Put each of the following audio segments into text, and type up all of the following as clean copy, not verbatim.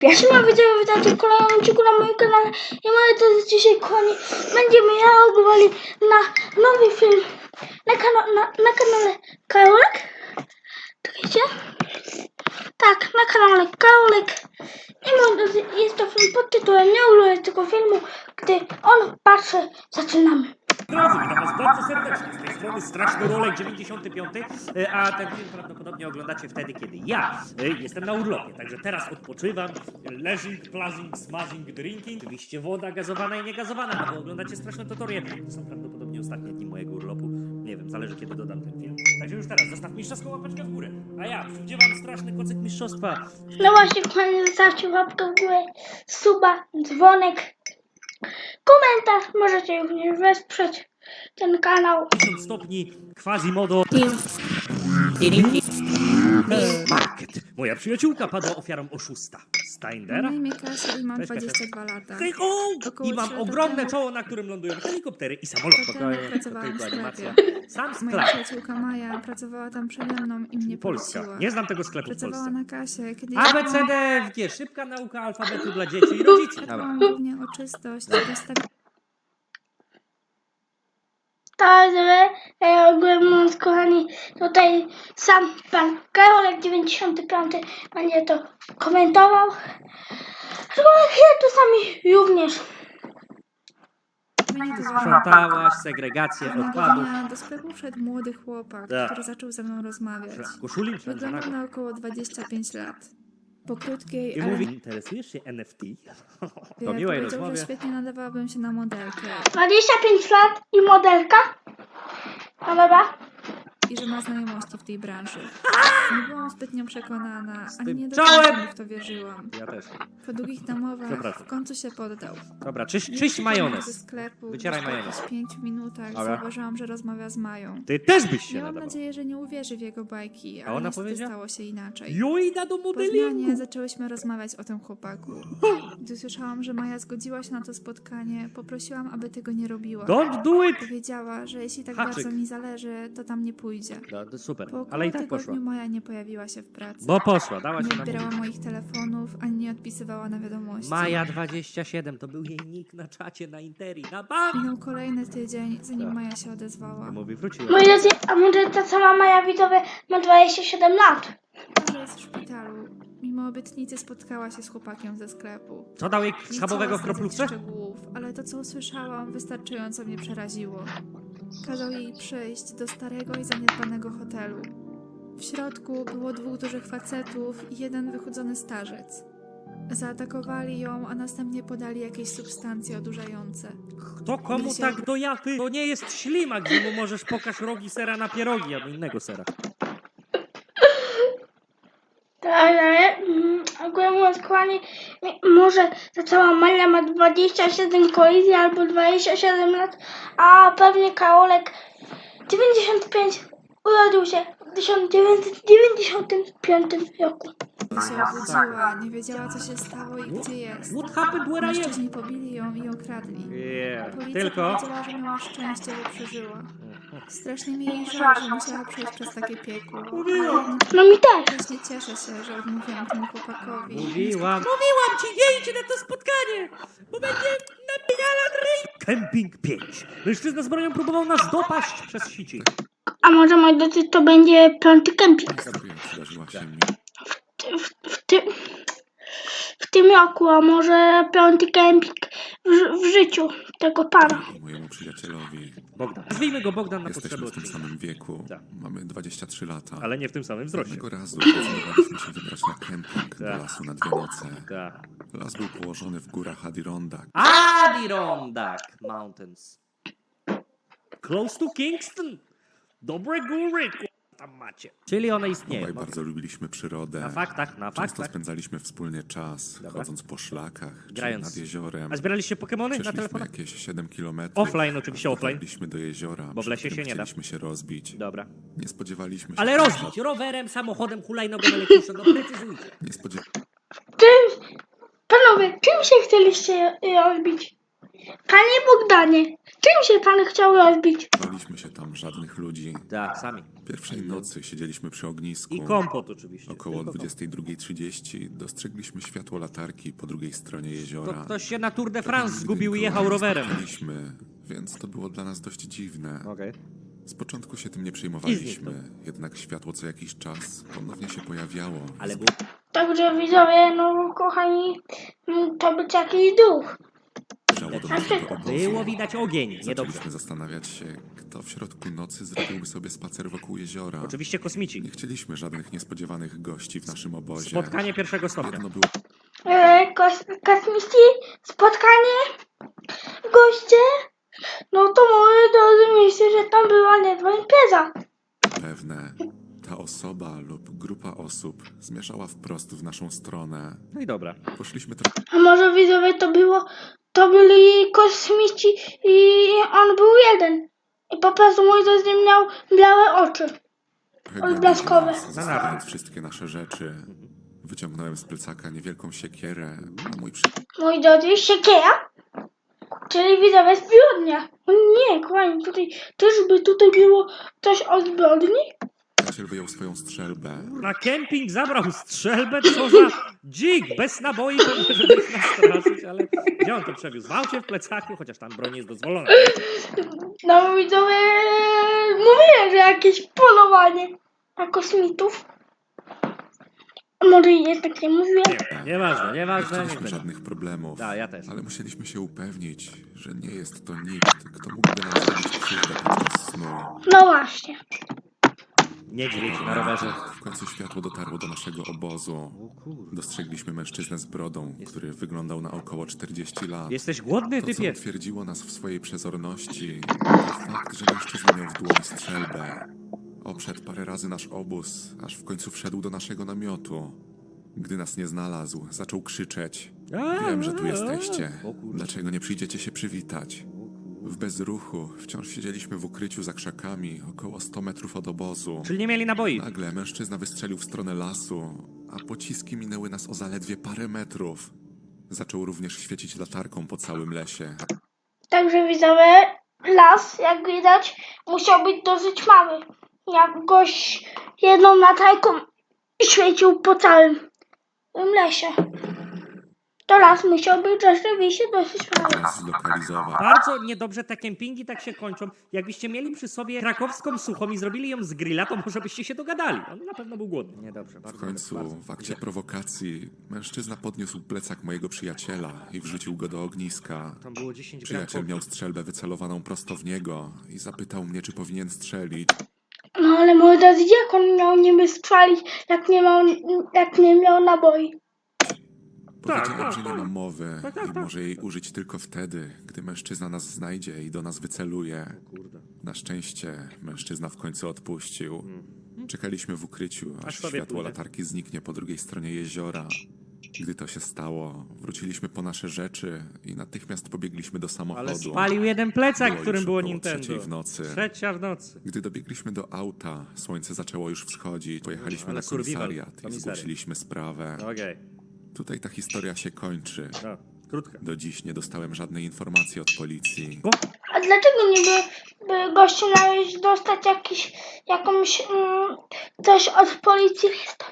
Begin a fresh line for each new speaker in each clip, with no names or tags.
Jeśli widziałem, witajcie w kolejnym odcinku na moim kanale i moi drodzy, dzisiaj kochani będziemy reagowali na nowy film na kanale Karolek. Czekajcie. Tak, na kanale Karolek. I moi drodzy, jest to film pod tytułem Nie oglądaj tego filmu, gdy on patrzy, zaczynamy.
Drodzy, witam was bardzo serdecznie. Z tej strony Straszny Rolek 95, a ten film prawdopodobnie oglądacie wtedy, kiedy ja jestem na urlopie. Także teraz odpoczywam, leżing, plazing, smazing, drinking. Oczywiście woda gazowana i niegazowana, a wy oglądacie straszne tutorie. To są prawdopodobnie ostatnie dni mojego urlopu. Nie wiem, zależy kiedy dodam ten film. Także już teraz zostaw mistrzowską łapeczkę w górę. A ja przywdziewam straszny kocyk mistrzostwa.
No właśnie, kochani, zostawcie łapkę w górę, suba, dzwonek, komentarz. Możecie również wesprzeć ten kanał.
50 stopni, Quasimodo. Market. Moja przyjaciółka padła ofiarą oszusta. Steindera?
Na imię Kasia i mam
Cześć, Kasia.
22 lata.
Hej, ho!
Około
I mam
3 lata
ogromne
temu-
czoło, na którym lądują helikoptery i samolot.
Potem pracowałam w
animacja.
sklepie.
Sam
Moja
sklep.
przyjaciółka Maja pracowała tam przede mną i mnie
Polska.
poleciła.
Nie znam tego sklepu w
Pracowała
Polsce.
na kasie, kiedy
A, B, C, D, F, G. Szybka nauka alfabetu dla dzieci i rodziców.
dbałam głównie o czystość i rozstawianie
Także ogólnie mówiąc, kochani, tutaj sam pan Karolek 95 będzie to komentował. Aczkolwiek ja czasami również.
towaru.
Sprzątałaś segregację
Pewnego
odpadów.
dnia do sklepu wszedł młody chłopak,
Tak.
który zaczął ze mną rozmawiać.
Koszuli
Wyglądał na około 25 lat. Po krótkiej,
I
ale
mówi, interesujesz się NFT? Po miłej
powiedział,
rozmowie.
że świetnie nadawałabym się na modelkę
25 lat i modelka. No dobra.
i że ma znajomości w tej branży. Nie byłam zbytnio przekonana, ani nie do
czołem!
końca w to wierzyłam.
Ja też.
Po długich namowach
Przepraszam.
w końcu się poddał.
Dobra, czyść
Wyszedł
majonez.
ze sklepu.
Wycieraj
Po
majonez.
jakichś 5 minutach
Dobra.
zauważyłam, że rozmawia z Mają.
Ty też byś się
Miałam
nadawał.
nadzieję, że nie uwierzy w jego bajki,
A
ale
ona
niestety
powiedziała?
stało się inaczej.
Jojda do
Po zmianie
modelingu.
zaczęłyśmy rozmawiać o tym chłopaku. Gdy słyszałam, że Maja zgodziła się na to spotkanie, poprosiłam, aby tego nie robiła.
Don't do it!
Powiedziała, że jeśli tak
Haczyk.
bardzo mi zależy, to tam nie pójdzie.
No, to super,
Po około
ale i tak
tygodniu
poszła.
Maja nie pojawiła się w pracy.
Bo poszła, dała się
Nie
na
odbierała moich telefonów, ani nie odpisywała na wiadomości.
Maja 27, to był jej nick na czacie, na Interi, na bank!
Minął kolejny tydzień, zanim
Tak.
Maja się odezwała.
Mówi, wróciła.
Moi drodzy, a może ta sama Maja widzowie ma 27 lat.
Że jest w szpitalu. Mimo obietnicy spotkała się z chłopakiem ze sklepu.
Co dał jej
Nie
schabowego w
chciała zdradzać
kroplówce?
szczegółów, ale to co usłyszałam wystarczająco mnie przeraziło. Kazał jej przyjść do starego i zaniedbanego hotelu. W środku było 2 dużych facetów i 1 wychudzony starzec. Zaatakowali ją, a następnie podali jakieś substancje odurzające.
Kto komu
Gdzie się-
tak do jaty? To nie jest ślimak, gdzie mu możesz pokaż rogi sera na pierogi, albo innego sera.
Ale ogólnie mówiąc, kochani, może ta cała Maja ma 27 kolizji albo 27 lat, a pewnie Karolek 95 urodził się w 1995 roku.
Gdy się obudziła, nie wiedziała co się stało i gdzie jest.
What happened where I am?
Mężczyźni pobili ją i okradli.
Yeah.
Policja
Tylko...
powiedziała, że miała szczęście, że przeżyła. Strasznie mi jej żal, że musiała przejść przez takie piekło.
Mówiłam.
No mi też.
Właśnie cieszę się, że odmówiłam temu chłopakowi.
Mówiłam ci, nie idźcie na to spotkanie, bo będzie napijana ryj. Camping 5. Mężczyzna z bronią próbował nas dopaść przez sieci.
A może, moi drodzy, to będzie 5. kemping
Historia przydarzyła się mi.
w tym roku, a może 5. kemping w życiu tego pana.
I mojemu przyjacielowi.
Bogdan. Nazwijmy go Bogdan na potrzeby
Jesteśmy w tym
odcinka.
samym wieku.
Tak.
Mamy 23 lata.
Ale nie w tym samym wzroście.
Pewnego razu zdecydowaliśmy się wybrać na kemping do
Tak.
lasu na 2 noce.
Tak.
Las był położony w górach Adirondack.
Adirondack Mountains. Close to Kingston. Dobre góry, tam macie. Czyli one istnieją.
Obaj bardzo lubiliśmy przyrodę.
Na faktach.
Często spędzaliśmy wspólnie czas,
Dobra.
chodząc po szlakach,
Grając.
czy nad jeziorem.
A zbieraliście Pokemony na
Przeszliśmy
telefonach?
jakieś 7 kilometrów.
Offline oczywiście, offline.
Dotarliśmy do jeziora,
Bo w lesie
przy którym
się nie da.
chcieliśmy się rozbić.
Dobra.
Nie spodziewaliśmy się...
Ale rozbić rowerem, samochodem, hulajnogą elektryczną, no precyzujcie.
Nie spodziewaliśmy
Panowie, czym się chcieliście rozbić? Panie Bogdanie, czym się pan chciał rozbić?
się tam żadnych ludzi.
Tak, sami.
Pierwszej nocy siedzieliśmy przy ognisku.
I kompot oczywiście.
Około
Tylko kompot.
22:30 dostrzegliśmy światło latarki po drugiej stronie
To
jeziora.
ktoś się na Tour de France
Nigdy
zgubił i
nikogo
jechał
nie
rowerem.
spotkaliśmy, więc to było dla nas dość dziwne.
Okej.
Z początku się tym nie przejmowaliśmy, jednak światło co jakiś czas ponownie się pojawiało.
Ale był...
Także widzowie, no kochani, to być jakiś duch.
Zbliżało do naszego obozu.
Było widać ogień, niedobrze.
Zaczęliśmy zastanawiać się, kto w środku nocy zrobiłby sobie spacer wokół jeziora.
Oczywiście kosmici.
Nie chcieliśmy żadnych niespodziewanych gości w naszym obozie.
Spotkanie pierwszego stopnia.
Jedno było
Kosmici, spotkanie, goście, no to moi drodzy, myślę, że tam była niezła impreza.
pewne. Ta osoba lub grupa osób zmierzała wprost w naszą stronę.
No i dobra.
Poszliśmy trochę
A może widzowie to byli kosmici i on był jeden. I po prostu mój drodzy miał białe oczy. Odblaskowe.
Zostawiając wszystkie nasze rzeczy. Wyciągnąłem z plecaka niewielką siekierę, a mój
Moi drodzy, siekiera, czyli widzowie zbrodnia. O nie, kochani, tutaj było coś o zbrodni?
przyjaciel wyjął swoją strzelbę.
Na kemping zabrał strzelbę, co za dzik, bez naboi, pewnie, żeby ich nastraszyć, ale gdzie on to przewiózł? W aucie, w plecaku, chociaż tam broń jest dozwolona.
No widzowie, mówiłem, że jakieś polowanie na kosmitów. Może i jednak nie mówiłem.
Nieważne,
Nie
nieważne.
chcieliśmy
Nie
żadnych problemów,
Da, ja też.
ale musieliśmy się upewnić, że nie jest to nikt, kto mógłby nam zrobić krzywdę podczas snu.
No właśnie.
Niedźwiedź na rowerze.
W końcu światło dotarło do naszego obozu. Dostrzegliśmy mężczyznę z brodą, który wyglądał na około 40 lat.
Jesteś głodny,
To, co
typie?
utwierdziło nas w swojej przezorności, to fakt, że mężczyzna miał w dłoni strzelbę. Obszedł parę razy nasz obóz, aż w końcu wszedł do naszego namiotu. Gdy nas nie znalazł, zaczął krzyczeć. Wiem, że tu jesteście.
O kurde.
Dlaczego nie przyjdziecie się przywitać? W bezruchu wciąż siedzieliśmy w ukryciu za krzakami, około 100 metrów od obozu.
Czyli nie mieli naboi.
Nagle mężczyzna wystrzelił w stronę lasu, a pociski minęły nas o zaledwie parę metrów. Zaczął również świecić latarką po całym lesie.
Także widzowie, las, jak widać, musiał być dosyć mały. Jak gość jedną latarką świecił po całym tym lesie. To las musiał być rzeczywiście dosyć mały.
Nas zlokalizował.
Bardzo niedobrze te kempingi tak się kończą. Jakbyście mieli przy sobie krakowską suchą i zrobili ją z grilla, to może byście się dogadali. On na pewno był głodny. Niedobrze,
W
bardzo.
końcu, w akcie prowokacji, mężczyzna podniósł plecak mojego przyjaciela i wrzucił go do ogniska.
Tam było 10
Przyjaciel miał strzelbę wycelowaną prosto w niego i zapytał mnie, czy powinien strzelić.
No ale moi drodzy, jak on miał niby strzelić, jak nie miał naboi?
Powiedziałem, że nie ma mowy
Tak.
i może jej użyć tylko wtedy, gdy mężczyzna nas znajdzie i do nas wyceluje.
Kurde.
Na szczęście mężczyzna w końcu odpuścił. Czekaliśmy w ukryciu, aż
sobie
światło
pójdę.
latarki zniknie po drugiej stronie jeziora. Gdy to się stało, wróciliśmy po nasze rzeczy i natychmiast pobiegliśmy do
Ale
samochodu.
spalił jeden plecak,
Było
w którym
już
było
około
Nintendo.
3:00 w nocy.
3:00 w nocy.
Gdy dobiegliśmy do auta, słońce zaczęło już wschodzić. Pojechaliśmy
Ale
na
survival,
komisariat i
komisariat.
zgłosiliśmy sprawę.
Okej.
Tutaj ta historia się kończy.
No, krótka.
Do dziś nie dostałem żadnej informacji od policji.
A dlaczego niby by gościu miał dostać jakąś coś od policji?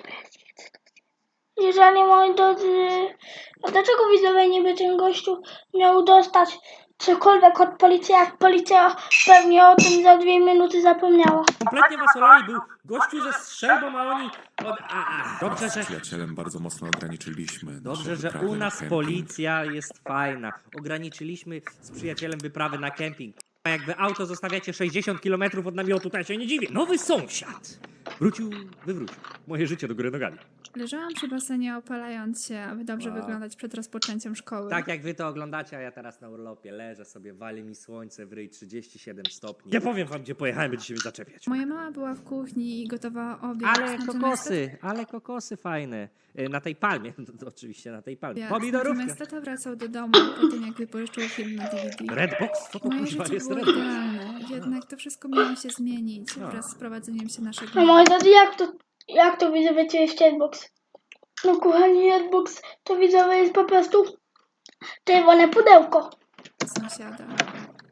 Jeżeli moi drodzy, a dlaczego widzowie niby ten gościu miał dostać cokolwiek od policji, jak policja pewnie o tym za 2 minuty zapomniała?
Kompletnie was olali, był gościu ze strzelbą, a oni... Dobrze,
Z
że...
przyjacielem bardzo mocno ograniczyliśmy nasze
Dobrze, że
wyprawy
u
na
nas
kemping.
policja jest fajna. Ograniczyliśmy z przyjacielem wyprawy na kemping. A jak wy auto zostawiacie 60 km od namiotu, to ja się nie dziwię. Nowy sąsiad wywrócił moje życie do góry nogami.
Leżałam przy basenie opalając się, aby dobrze
Wow.
wyglądać przed rozpoczęciem szkoły.
Tak jak wy to oglądacie, a ja teraz na urlopie leżę sobie, wali mi słońce w ryj, 37 stopni. Nie powiem wam, gdzie pojechałem, będziecie mnie zaczepiać.
Moja mama była w kuchni i gotowała obiad.
Ale kokosy fajne. Na tej palmie, to oczywiście na tej palmie.
Natomiast
Pomidorówka.
tata wracał do domu po tym, jak wypożyczył film na DVD.
Redbox? Co to
Moje
kuźwa
życie
jest
było
Redbox?
idealne, jednak to wszystko miało się zmienić wraz z prowadzeniem się naszego...
No moi drodzy, jak to widzowie to jest Redbox? No kochani, Redbox to widzowie jest po prostu czerwone pudełko.
sąsiada.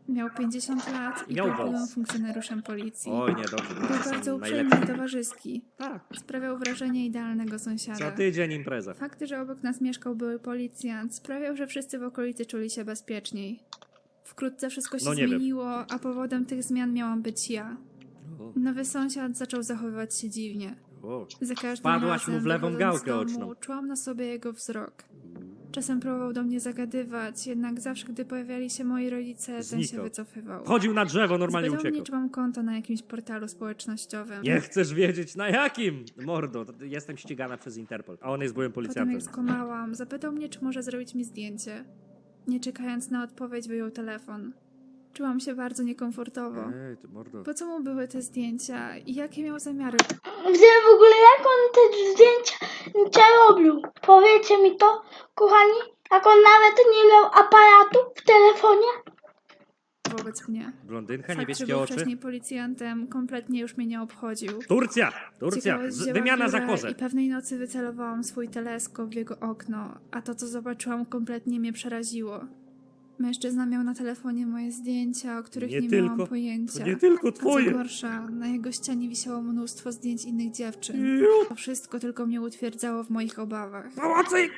Miał 50 lat i
Miał
był byłym
wąs.
funkcjonariuszem policji.
Oj, niedobrze.
Był
to są
bardzo uprzejmy i
najlepsi.
towarzyski.
Tak,
Sprawiał wrażenie idealnego
co
sąsiada.
tydzień impreza.
Fakt, że obok nas mieszkał były policjant, sprawiał, że wszyscy w okolicy czuli się bezpieczniej. Wkrótce wszystko się
No nie wiem.
zmieniło, a powodem tych zmian miałam być ja.
O,
Nowy sąsiad zaczął zachowywać się dziwnie.
o.
Za każdym
Wpadłaś
razem,
mu w lewą
wychodząc z
gałkę
domu,
oczną.
czułam na sobie jego wzrok. Czasem próbował do mnie zagadywać, jednak zawsze, gdy pojawiali się moi rodzice, ten się
Znikał.
wycofywał.
Chodził na drzewo, normalnie
Zapytał mnie,
uciekał.
czy mam konto na jakimś portalu społecznościowym.
Nie chcesz wiedzieć na jakim? Mordo, jestem ścigana przez Interpol, a on jest byłym
Potem
policjantem.
jak skomałam, zapytał mnie, czy może zrobić mi zdjęcie. Nie czekając na odpowiedź, wyjął telefon. Czułam się bardzo niekomfortowo.
Ej, ty mordo.
Po co mu były te zdjęcia i jakie miał zamiary?
Gdzie w ogóle jak on te zdjęcia robił? Powiedzcie mi to, kochani, jak on nawet nie miał aparatu w telefonie?
Wobec mnie.
Blondynka,
Fakt, że
niebieskie
był
oczy.
wcześniej policjantem, kompletnie już mnie nie obchodził.
Turcja!
Ciekawość wzięła
Wymiana za
górę
kozę.
I pewnej nocy wycelowałam swój teleskop w jego okno, a to, co zobaczyłam, kompletnie mnie przeraziło. Mężczyzna miał na telefonie moje zdjęcia, o których nie, miałam pojęcia.
To nie tylko
A co
twoje.
gorsza, na jego ścianie wisiało mnóstwo zdjęć innych dziewczyn.
Ju,
To wszystko tylko mnie utwierdzało w moich obawach.
Pomocy!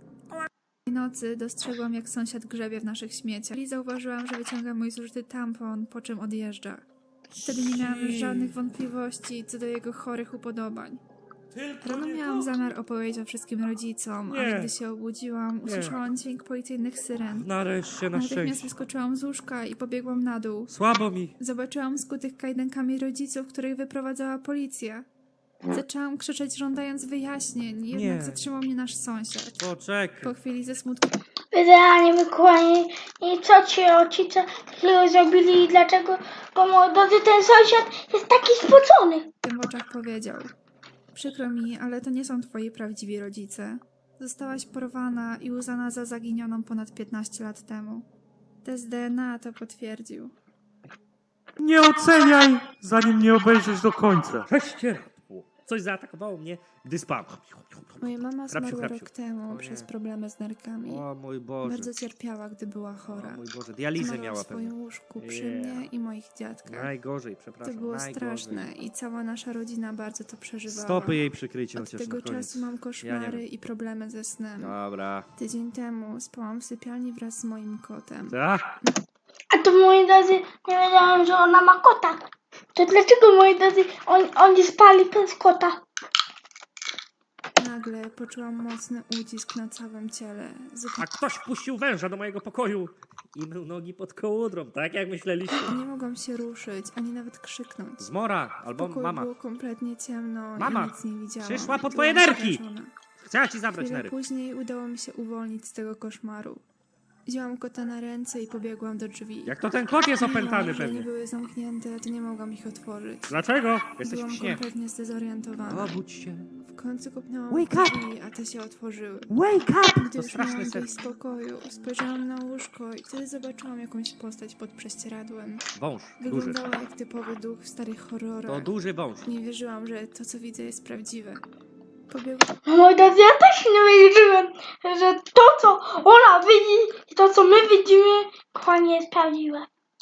Tej nocy dostrzegłam, jak sąsiad grzebie w naszych śmieciach i zauważyłam, że wyciąga mój zużyty tampon, po czym odjeżdża. Wtedy nie miałam już żadnych wątpliwości co do jego chorych upodobań.
Tylko
Rano
nie
miałam
to.
zamiar opowiedzieć o wszystkim rodzicom,
Nie.
ale gdy się obudziłam, usłyszałam dźwięk policyjnych syren.
Nareszcie, na
Natychmiast
szczęście.
wyskoczyłam z łóżka i pobiegłam na dół.
Słabo mi.
Zobaczyłam skutych kajdankami rodziców, których wyprowadzała policja. Zaczęłam krzyczeć, żądając wyjaśnień, jednak
Nie.
zatrzymał mnie nasz sąsiad.
Poczekaj.
Po chwili ze smutkiem
Wyzwanie, wykołani i co ci rodzice takiego zrobili i dlaczego, bo moi drodzy, ten sąsiad jest taki spocony.
w oczach powiedział: przykro mi, ale to nie są twoi prawdziwi rodzice. Zostałaś porwana i uznana za zaginioną ponad 15 lat temu. Test DNA to potwierdził.
Nie oceniaj, zanim nie obejrzysz do końca.
Prześcieradło. Coś zaatakowało mnie, gdy spałem.
Moja mama
Hrabsiu,
zmarła
hrabsiu.
rok temu
O nie.
przez problemy z nerkami.
O mój Boże.
Bardzo cierpiała, gdy była chora.
O mój Boże. Dializę
Zmarła
miała
w swoim
pewnie.
łóżku przy
Yeah.
mnie i moich dziadkach.
Najgorzej,
To
przepraszam.
było
najgorzej.
straszne i cała nasza rodzina bardzo to przeżywała.
Stopy jej przykryjcie
Od
chociaż
tego
na koniec.
czasu mam
Ja nie
koszmary
wiem.
i problemy ze snem.
Dobra.
Tydzień temu spałam w sypialni wraz z moim kotem.
Tak?
A to, moi drodzy, nie wiedziałem, że ona ma kota. To dlaczego, moi drodzy, oni spali bez kota?
Nagle poczułam mocny ucisk na całym ciele.
A ktoś wpuścił węża do mojego pokoju i mył nogi pod kołudrą, tak jak myśleliście.
Nie mogłam się ruszyć, ani nawet krzyknąć.
Zmora
W
albo
pokoju
mama.
było kompletnie ciemno
Mama,
i nic nie widziałam.
przyszła po twoje
Byłam
nerki.
przerażona.
Chciała ci zabrać
Chwilę
nery.
później udało mi się uwolnić z tego koszmaru. Wzięłam kota na ręce i pobiegłam do drzwi.
Jak to ten kot jest opętany
Mimo że nie
pewnie.
były zamknięte, to nie mogłam ich otworzyć.
Dlaczego? Jesteś
Byłam
w śnie.
kompletnie zdezorientowana.
Obudź się.
W końcu kopnęłam
Wake
w
up!
drzwi, a te się otworzyły.
Wake up!
Gdy
To
już
straszny
miałam
sen.
wyjść z pokoju, spojrzałam na łóżko i wtedy zobaczyłam jakąś postać pod prześcieradłem.
Wąż. Duży.
Wyglądała jak typowy duch w starych horrorach.
To duży wąż.
Nie wierzyłam, że to, co widzę, jest prawdziwe. Pobiegłam
No, moi drodzy, ja też nie wierzyłem, że to, co ona widzi i to, co my widzimy, kochani, jest prawdziwe.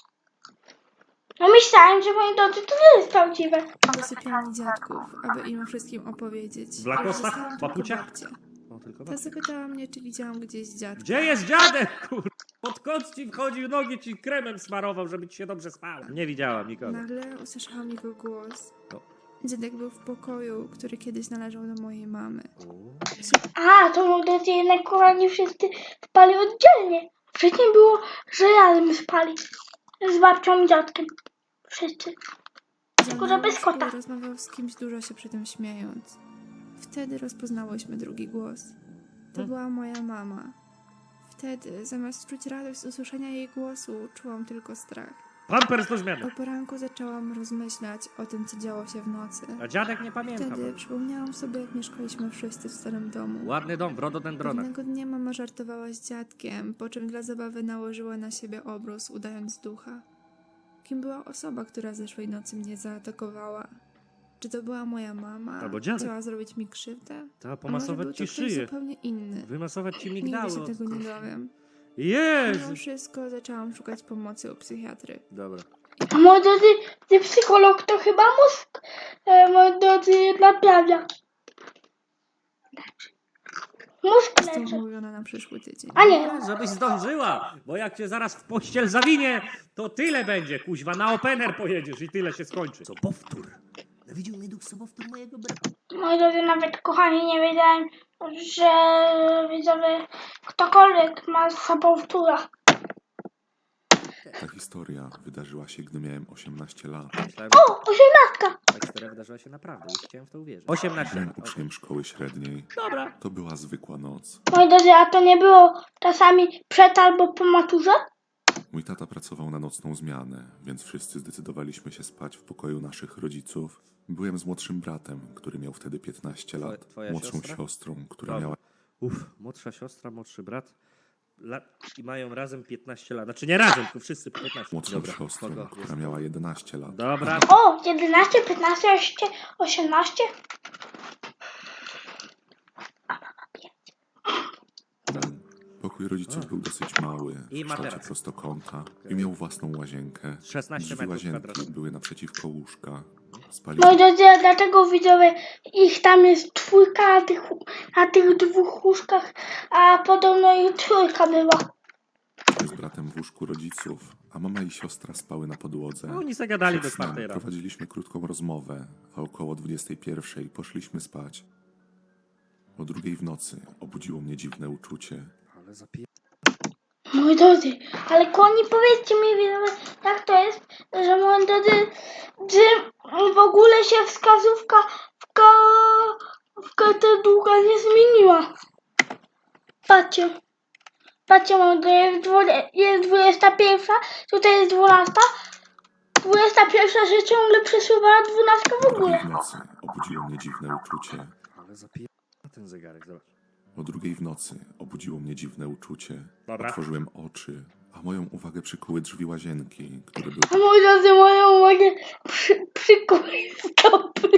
No myślałem, że, moi drodzy, to nie jest prawdziwe.
do sypialni dziadków, aby im o wszystkim opowiedzieć.
W lakosach?
Zostałam tylko
Papuciach?
babcię.
O, tylko
Ta zapytała mnie, czy widziałam gdzieś dziadka.
Gdzie jest dziadek, kur... Pod kot ci wchodził, nogi ci kremem smarował, żeby ci się dobrze spało. Nie widziałam nikogo.
Nagle usłyszałam jego głos.
O.
Dziadek był w pokoju, który kiedyś należał do mojej mamy.
A, to, moi drodzy, jednak, kochani, wszyscy spali oddzielnie. Wcześniej było, że razem spali. Z babcią i dziadkiem. Wszyscy. Tylko, że bez kota.
Rozmawiał z kimś, dużo się przy tym śmiejąc. Wtedy rozpoznałyśmy drugi głos. To była moja mama. Wtedy, zamiast czuć radość z usłyszenia jej głosu, czułam tylko strach.
Pampers do zmiany.
O poranku zaczęłam rozmyślać o tym, co działo się w nocy.
A dziadek nie pamięta.
Wtedy przypomniałam sobie, jak mieszkaliśmy wszyscy w starym domu.
Ładny dom w rododendronach.
Pewnego dnia mama żartowała z dziadkiem, po czym dla zabawy nałożyła na siebie obrus, udając ducha. Kim była osoba, która zeszłej nocy mnie zaatakowała? Czy to była moja mama?
Albo dziadek.
Chciała zrobić mi krzywdę?
Ta
A może był
pomasować
to
ci
ktoś
szyję.
zupełnie inny?
Wymasować ci
Nigdy
migdały.
się tego nie dowiem.
Jezu!
Mimo wszystko zaczęłam szukać pomocy u psychiatry.
Dobra.
A moi drodzy, ty psycholog to chyba mózg, moi drodzy, naprawia. Mózg
Został
leczy.
umówiona na przyszły tydzień.
A nie,
Żebyś zdążyła, bo jak cię zaraz w pościel zawinie, to tyle będzie, kuźwa, na opener pojedziesz i tyle się skończy. Co powtór? Nawiedził mnie duch sobowtór mojego brata.
moi drodzy, nawet kochani, nie wiedziałem, że widzowie, ktokolwiek ma sobowtóra.
Ta historia wydarzyła się, gdy miałem 18 lat.
Myślałem,
O, 18!
ta historia wydarzyła się naprawdę, już chciałem w to uwierzyć. 18
Byłem
lat.
uczniem szkoły średniej.
Dobra.
To była zwykła noc.
Moi drodzy, a to nie było czasami przed albo po maturze?
Mój tata pracował na nocną zmianę, więc wszyscy zdecydowaliśmy się spać w pokoju naszych rodziców. Byłem z młodszym bratem, który miał wtedy 15 lat.
Twoja
Młodszą
siostra?
siostrą, która
Dobra.
miała
Młodsza siostra, młodszy brat. I mają razem 15 lat. Znaczy nie razem, tylko wszyscy po 15.
młodszą
Dobra.
siostrą,
Kogo?
która miała 11 lat.
Dobra.
O, 11, 15, 18?
Pokój rodziców był dosyć mały,
I
w
ma
kształcie
teraz.
prostokąta i miał własną łazienkę.
16
Drzwi
metrów
łazienki
kwadratowych.
były naprzeciwko łóżka.
Moi
Spaliśmy
drodzy, a dlaczego widzowie ich tam jest czwórka na tych dwóch łóżkach, a podobno ich trójka była.
z bratem w łóżku rodziców, a mama i siostra spały na podłodze.
No, oni zagadali do
Przed snem
4 rano.
prowadziliśmy krótką rozmowę, a około 21 poszliśmy spać. O 2 w nocy obudziło mnie dziwne uczucie.
Ale zapie...
Moi drodzy, ale koni, powiedzcie mi widzowie, jak to jest, że moi drodzy, czy w ogóle się wskazówka w katedrze nie zmieniła. Patrzcie. Patrzcie, moi drodzy, jest 21, tutaj jest 12. 21 się ciągle przesuwała, 12 w
O 2
ogóle.
w nocy obudziło mnie dziwne uczucie.
Ale zapie... ten zegarek, zobacz.
O 2 w nocy obudziło mnie dziwne uczucie.
Dobra.
Otworzyłem oczy, a moją uwagę przykuły drzwi łazienki, które były
A moi drodzy, moją uwagę przykuły stopy.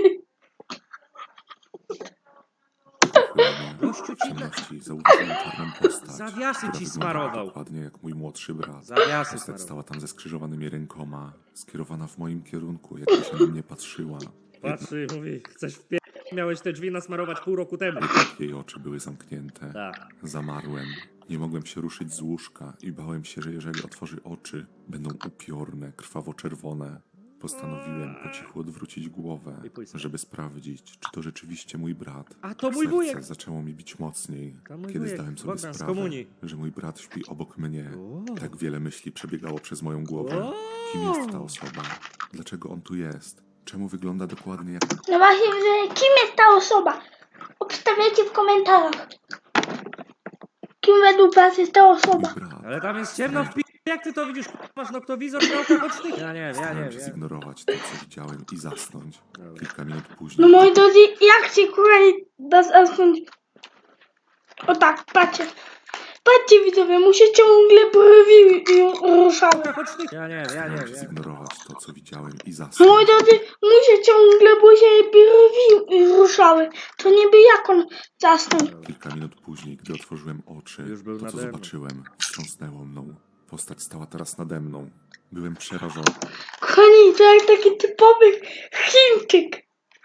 pochylone.
Gościu
W
ci
ciemności zauważyłem czarną postać,
Zawiasy
która
ci
wyglądała
smarował.
dokładnie jak mój młodszy brat.
Zawiasy
Postać
smarował.
stała tam ze skrzyżowanymi rękoma, skierowana w moim kierunku, jakby się na mnie patrzyła.
Patrzy i mówi, chcesz wpie... Miałeś te drzwi nasmarować pół roku temu.
Jednak jej oczy były zamknięte.
Tak.
Zamarłem. Nie mogłem się ruszyć z łóżka i bałem się, że jeżeli otworzy oczy, będą upiorne, krwawo-czerwone. Postanowiłem po cichu odwrócić głowę,
I pójść spać.
żeby sprawdzić, czy to rzeczywiście mój brat.
A to mój
Serce
wujek.
zaczęło mi bić mocniej,
To mój
kiedy
wujek,
zdałem sobie
Bogdan z
sprawę,
komunii.
że mój brat śpi obok mnie.
O.
Tak wiele myśli przebiegało przez moją głowę.
O.
Kim jest ta osoba? Dlaczego on tu jest? Czemu wygląda dokładnie jak
No właśnie, że kim jest ta osoba? Obstawiajcie w komentarzach. Kim według was jest ta osoba?
mój brat?
Ale tam jest ciemno w pi... Jak ty to widzisz? Masz noktowizor w oczach ocznych? Ja nie wiem,
Starałem się zignorować to, co widziałem i zasnąć.
Dobra.
Kilka minut
No
później
moi drodzy, jak się kochani da zasnąć? O tak, patrzcie. Patrzcie widzowie, mu się ciągle brwi ruszały.
Ocznych? Ja nie
starałem się
wiem.
zignorować to, co widziałem i
Moi
zasnąć.
drodzy, mu się ciągle brwi ruszały. To niby jak on zasnął.
Kilka minut później, gdy otworzyłem oczy,
Już był
to, co
nade mną.
zobaczyłem, wstrząsnęło mną. Postać stała teraz nade mną. Byłem przerażony.
Kochani, to jak taki typowy Chińczyk.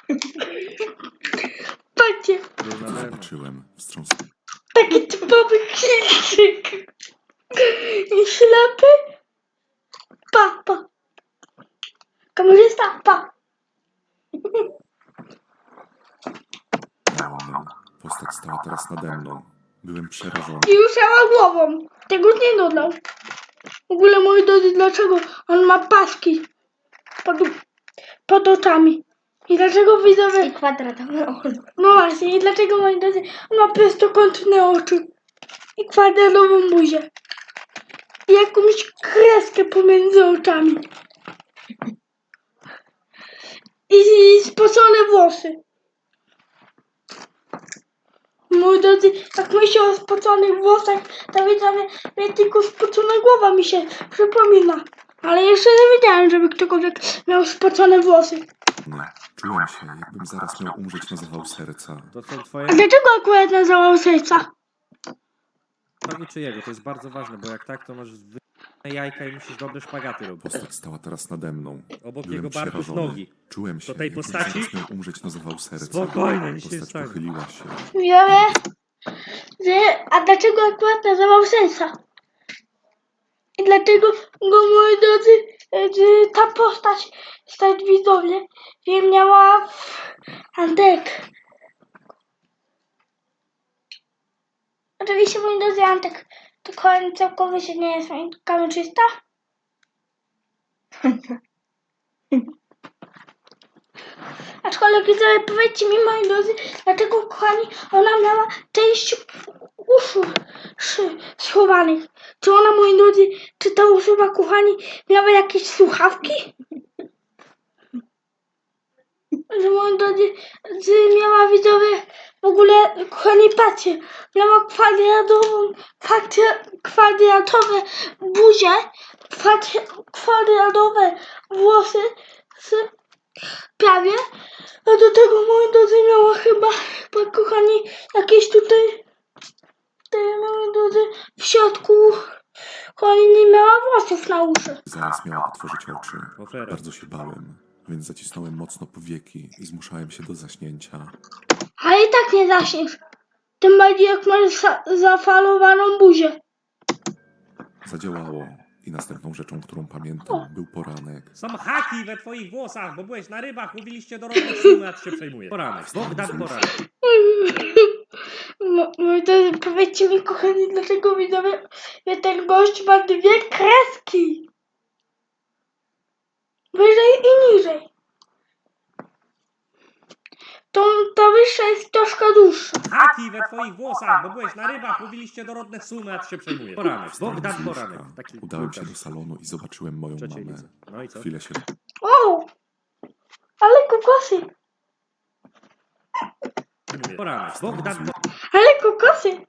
Patrzcie,
To, co zobaczyłem, wstrząsnęło.
taki typowy Chińczyk. I ślepy. Pa. Kamerzysta, pa.
mną. Postać stała teraz nade mną. Byłem przerażony.
I ruszała głową. Tego nie dodał. W ogóle, moi drodzy, dlaczego on ma paski pod oczami? I dlaczego widzowie... I kwadratowe oczy. No właśnie, i dlaczego, moi drodzy, on ma prostokątne oczy. I kwadratową buzię. I jakąś kreskę pomiędzy oczami. I spocone włosy. Moi drodzy, jak myślę o spoconych włosach, to widzowie, mnie tylko spocona głowa mi się przypomina. Ale jeszcze nie wiedziałem, żeby ktokolwiek miał spocone włosy.
Czułem się, jakbym zaraz miał umrzeć na zawał serca.
To są twoje...
A dlaczego akurat na zawał serca?
Prawie czyjego, to jest bardzo ważne, bo jak tak, to masz jajka i musisz dobre szpagaty robić.
Postać stała teraz nade mną.
Obok
Byłem
jego barków
przerażony.
nogi.
Czułem się,
Do tej
jakbym
postaci?
zaraz miał umrzeć na zawał serca.
Spokojnie, nic się nie
Postać
stanie.
pochyliła się.
Widzowie, a dlaczego akurat nazywał sensa? I dlatego go, moi drodzy, ta postać widzowie, miała Antek. Oczywiście, moi drodzy, Antek to koń całkowicie nie jest kamerzysta. Aczkolwiek widzowie, powiedzcie mi, moi drodzy, dlaczego, kochani, ona miała część uszu schowanych. Czy ona, moi drodzy, czy ta osoba, kochani, miała jakieś słuchawki? Że, moi drodzy, miała, widzowie, w ogóle, kochani, patrzcie, miała kwadratowe buzie, kwadratowe włosy, prawie, a do tego, moi drodzy, miała chyba, kochani, jakieś tutaj, moi drodzy, w środku, kochani, nie miała włosów na uszy.
Zaraz miała otworzyć oczy.
Ofera.
Bardzo się bałem, więc zacisnąłem mocno powieki i zmuszałem się do zaśnięcia.
Ale i tak nie zaśniesz. Tym bardziej jak masz zafalowaną buzię.
Zadziałało i następną rzeczą, którą pamiętam, był poranek.
Są haki we twoich włosach, bo byłeś na rybach, mówiliście do rodnych sumy, a ty się przejmuje. Poranek, Bogdan Poranek.
Moi drodzy, powiedzcie mi, kochani, dlaczego widzowie, że ten gość ma dwie kreski. Wyżej i niżej. Ta wyższa jest troszkę dłuższa.
Haki we twoich włosach, bo byłeś na rybach, mówiliście do rodnych sumy, a ty się przejmuje. Poranek, Bogdan
Z
Poranek.
łóżka
Taki
udałem się
piłkarz.
do salonu i zobaczyłem moją
Trzeciej
mamę.
lidze. No i co?
Chwilę się
O! Ale kokosy!
Poranek, Bogdan
Ale kokosy!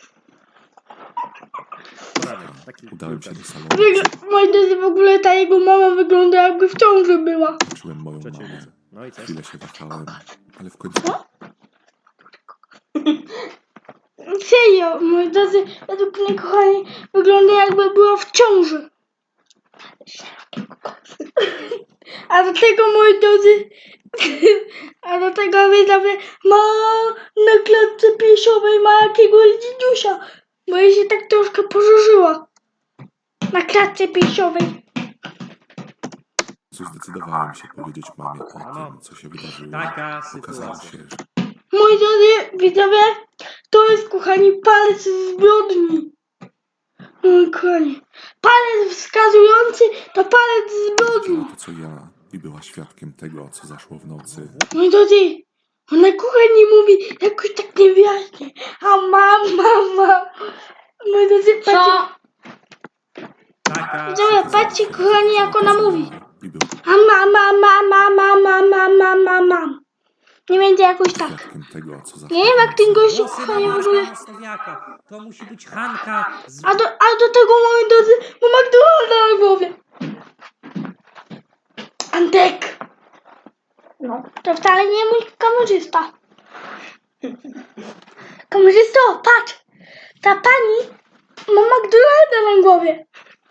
Poranek. Taki
udałem się
piłkarz.
do salonu
Moi drodzy, w ogóle ta jego mama wygląda, jakby w ciąży była.
i zobaczyłem moją
Trzeciej
mamę.
lidze. No i co?
Chwilę się wahałem, ale w końcu
Serio, moi drodzy, według mnie, kochani, wygląda, jakby była w ciąży. A do tego, moi drodzy, a do tego, widzowie, ma na klatce piersiowej ma jakiegoś dzidziusia, bo jej się tak troszkę pożarzyła. Na klatce piersiowej.
zdecydowałem się powiedzieć mamie o
Mamo,
tym, co się wydarzyło.
taka
Okazało
sytuacja.
się, że
Moi drodzy, widzowie, to jest, kochani, palec zbrodni. Kochani, palec wskazujący to palec zbrodni.
widziała to, co ja i była świadkiem tego, co zaszło w nocy.
Moi drodzy, ona, kochani, mówi jakoś tak niewyraźnie. A mama. Moi drodzy, patrzcie,
Taka
widzowie, patrzcie, kochani, jak ona mówi.
I był
A mam. Nie będzie jakoś tak.
świadkiem tego, co zaszło
Nie wiem, jak ten gościu,
włosy
kochani, w
na
ogóle...
Mastowiaka. To musi być Hanka z...
A do tego, moi drodzy, ma McDonalda na głowie. Antek. No, to wcale nie mój kamerzysta. Kamerzysto, patrz. Ta pani ma McDonalda na głowie.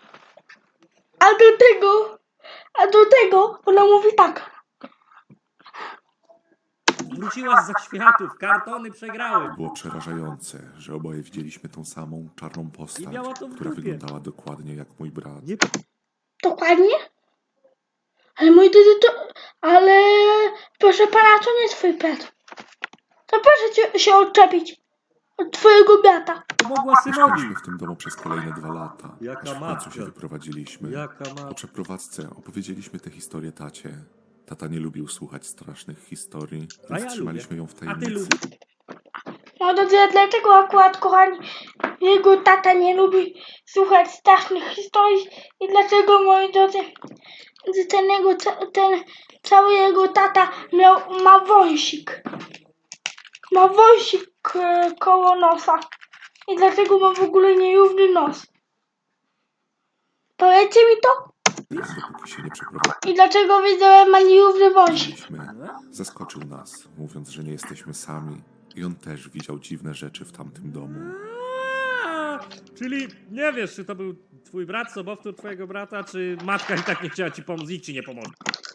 A do tego ona mówi tak.
Wróciłaś za światów, kartony przegrały.
Było przerażające, że oboje widzieliśmy tą samą czarną postać,
I miała to w
która
dupie.
wyglądała dokładnie jak mój brat.
Nie
Dokładnie? Ale moi drodzy, ale proszę pana, to nie twój brat. To proszę się odczepić od twojego brata.
pomogła synowi.
Mieszkaliśmy w tym domu przez kolejne 2 lata,
Jaka
aż w końcu
matka.
się wyprowadziliśmy.
Jaka
Po
ma...
przeprowadzce opowiedzieliśmy tę historię tacie. Tata nie lubił słuchać strasznych historii,
A
więc
ja
trzymaliśmy
lubię.
ją w
A ty
tajemnicy.
lubisz?
Moi drodzy, a dlaczego akurat, kochani, jego tata nie lubi słuchać strasznych historii i dlaczego, moi drodzy, ten cały jego tata ma wąsik. Ma wąsik koło nosa. I dlatego ma w ogóle nierówny nos. Powiedzcie mi to?
Więc dopóki się nie
I dlaczego widzowie ma nierówny wąsik?
przeprowadziliśmy, zaskoczył nas, mówiąc, że nie jesteśmy sami. I on też widział dziwne rzeczy w tamtym domu.
Czyli nie wiesz, czy to był twój brat, sobowtór twojego brata, czy matka i tak nie chciała ci pomóc, nikt ci nie pomoże.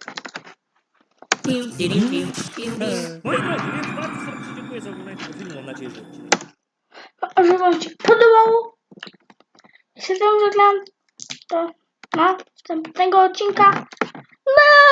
Moi drodzy, więc bardzo serdecznie dziękuję za oglądanie tego filmu. Mam nadzieję, że odcinek
Że wam się podobało. Jeśli wam żegnam, to na następnego odcinka.